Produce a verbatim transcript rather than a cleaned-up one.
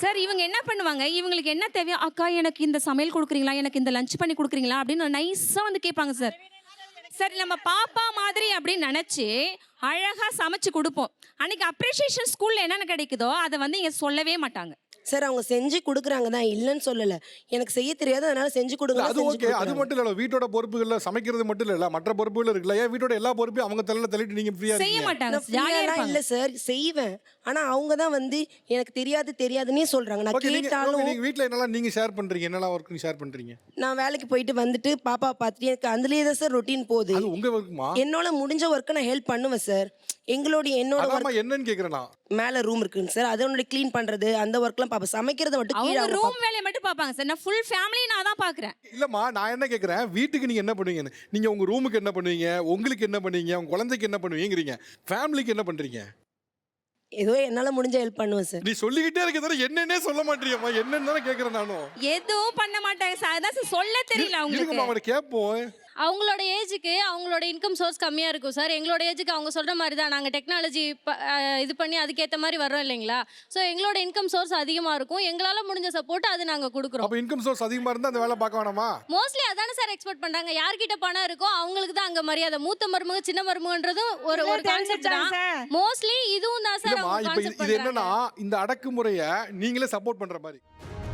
Sir இவங்க என்ன பண்ணுவாங்க, இவங்களுக்கு என்ன தேவையோ, "அக்கா எனக்கு இந்த சமையல் குடுக்குறீங்களா? எனக்கு இந்த லஞ்ச் பண்ணி குடுக்குறீங்களா?" அப்படின்னு நைஸா வந்து கேட்பாங்க சார். சரி நம்ம பாப்பா மாதிரி அப்படின்னு நினைச்சு அழகா சமைச்சு கொடுப்போம். அன்னைக்கு அப்ரிசியேஷன் ஸ்கூல்ல என்னென்ன கிடைக்குதோ அதை வந்து இங்க சொல்லவே மாட்டாங்க. சார் அவங்க செஞ்சு குடுக்குறாங்க தான், இல்லைன்னு சொல்லல. எனக்கு செய்ய தெரியாது, அதனால செஞ்சு கொடுங்க. அது ஓகே. அது மட்டும் இல்ல, வீட்டோட பொறுப்புகள்ல சமைக்கிறது மட்டும் இல்ல, மற்ற பொறுப்புகள் இருக்குல்ல. ஏன் வீட்டோட எல்லா பொறுப்பையும் அவங்க தலையில தள்ளிட்டு நீங்க ஃப்ரீயா செய்ய இருக்கீங்க? மாட்டாங்க. ஜாலியா இருப்பாங்க. இல்ல சார், செய்வேன். ஆனா அவங்க தான் வந்து எனக்கு தெரியாது தெரியாதுன்னே சொல்றாங்க. நான் ஓகே, நீங்க கேட்டாலும் நீங்க வீட்ல என்னலாம் நீங்க ஷேர் பண்றீங்க? என்னலாம் ஒர்க் நீங்க ஷேர் பண்றீங்க? நான் வேலைக்கு போயிட்டு வந்துட்டு பாப்பா பார்த்துட்டு எனக்கு அதுலயே தான் சார் ரொட்டீன் போகுது. அது உங்க ஒர்க்குமா? என்னோட முடிஞ்ச ஒர்க்கை நான் ஹெல்ப் பண்ணுவேன் சார். எங்களோட என்னோட அதாம்மா ஒர்க் என்னன்னு கேக்குறேன் நான். மேல ரூம் இருக்குங்க சார், அதனோட க்ளீன் பண்றது அந்த ஒர்க்லாம் பாப்பா. சமைக்கிறத மட்டும் கீழே அவங்க அவங்க ரூம் பாப்பா. வேலையை மட்டும் பார்ப்பாங்க சார். நான் ஃபுல் ஃபேமிலி நான் தான் பார்க்குறேன். இல்லம்மா, நான் என்ன கேக்குறேன், வீட்டுக்கு நீங்க என்ன பண்ணுவீங்கன்னு. நீங்க உங்க ரூமுக்கு என்ன பண்ணுவீங்க, உங்களுக்கு என்ன பண்ணுவீங்க, உங்க குழந்தைக்கு என்ன பண்ணுவீங்கறீங்க, ஃபேமிலிக்கு என்ன பண்றீங்க? ஏதோ என்னால முடிஞ்ச ஹெல்ப் பண்ணுவேன் சார். நீ சொல்லிக்கிட்டே இருக்க தவிர என்னன்னே சொல்ல மாட்டீங்கம்மா. என்னன்னு தானே கேக்குறேன் நானும். எதுவும் பண்ண மாட்டாங்க சார். அதான் சார் சொல்ல தெரியல அவங்களுக்கு. இருக்குமா, அவரை கேட்போம். அவங்களோட ஏஜுக்கு அவங்களோட இன்கம் சோர்ஸ் கம்மியாக இருக்கும் சார். எங்களோட ஏஜுக்கு அவங்க சொல்கிற மாதிரி தான் நாங்கள் டெக்னாலஜி இது பண்ணி அதுக்கேற்ற மாதிரி வர்றோம் இல்லைங்களா. ஸோ எங்களோட இன்கம் சோர்ஸ் அதிகமாக இருக்கும். எங்களால் முடிஞ்ச சப்போர்ட் அது நாங்கள் கொடுக்குறோம். அப்ப இன்கம் சோர்ஸ் அதிகமா இருந்தா அந்த வேலை பார்க்க வேணாமா? மோஸ்ட்லி அதானே சார் எக்ஸ்பெக்ட் பண்ணுறாங்க. யார்கிட்ட பணம் இருக்கோ அவங்களுக்கு தான் அங்கே மரியாதை. மூத்த மருமக சின்ன மருமகன்றதும் ஒரு ஒரு கான்செப்ட் தான். மோஸ்ட்லி இதுவும் தான் சார் இல்லம்மா, அவங்க இப்ப இது- கான்செப்ட் இது பண்ணுறாங்க. என்னன்னா இந்த அடக்குமுறையை நீங்களே சப்போர்ட் பண்ற மாதிரி.